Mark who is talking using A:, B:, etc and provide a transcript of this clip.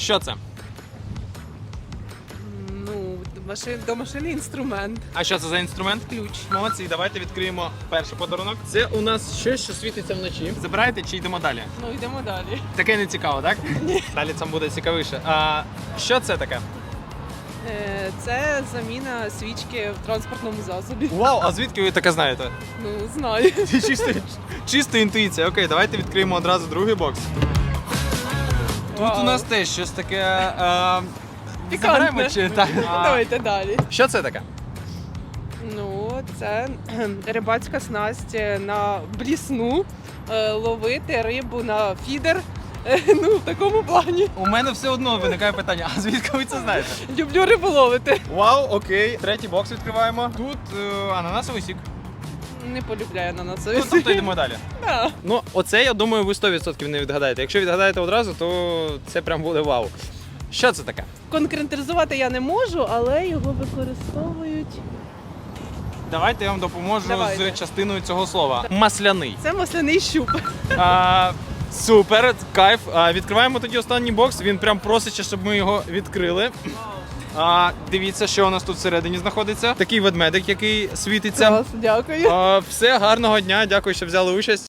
A: Що це?
B: Ну, домашній інструмент.
A: А що це за інструмент?
B: Ключ.
A: Молодці, давайте відкриємо перший подарунок. Це у нас щось, що світиться вночі. Забираєте чи йдемо далі?
B: Ну, йдемо далі.
A: Таке не цікаво, так? Ні. Далі це буде цікавіше. А що це таке?
B: Це заміна свічки в транспортному засобі.
A: Вау, а звідки ви таке знаєте?
B: Ну, знаю.
A: Чисто інтуїція. Окей, давайте відкриємо одразу другий бокс. Тут
B: Вау.
A: у нас теж щось таке.
B: Пікантне.
A: Забираємо чи так?
B: Давайте далі.
A: Що це таке?
B: Ну, це рибацька снасть на блісну, ловити рибу на фідер. Ну, в такому плані.
A: У мене все одно виникає питання, а звідки ви це знаєте?
B: Люблю рибу ловити.
A: Вау, окей. Третій бокс відкриваємо. Тут ананасовий сік.
B: Не полюбляю на
A: Ну,
B: нас.
A: тобто йдемо далі.
B: Да.
A: Ну, оце, я думаю, ви 100% не відгадаєте. Якщо відгадаєте одразу, то це прям буде вау. Що це таке?
B: Конкретизувати я не можу, але його використовують.
A: Давайте я вам допоможу
B: Давайте.
A: з частиною цього слова. Масляний.
B: Це масляний щуп.
A: Супер, кайф. Відкриваємо тоді останній бокс. Він прям просить, щоб ми його відкрили. Дивіться, що у нас тут всередині знаходиться. Такий ведмедик, який світиться.
B: Клас, дякую.
A: Все, гарного дня, дякую, що взяли участь.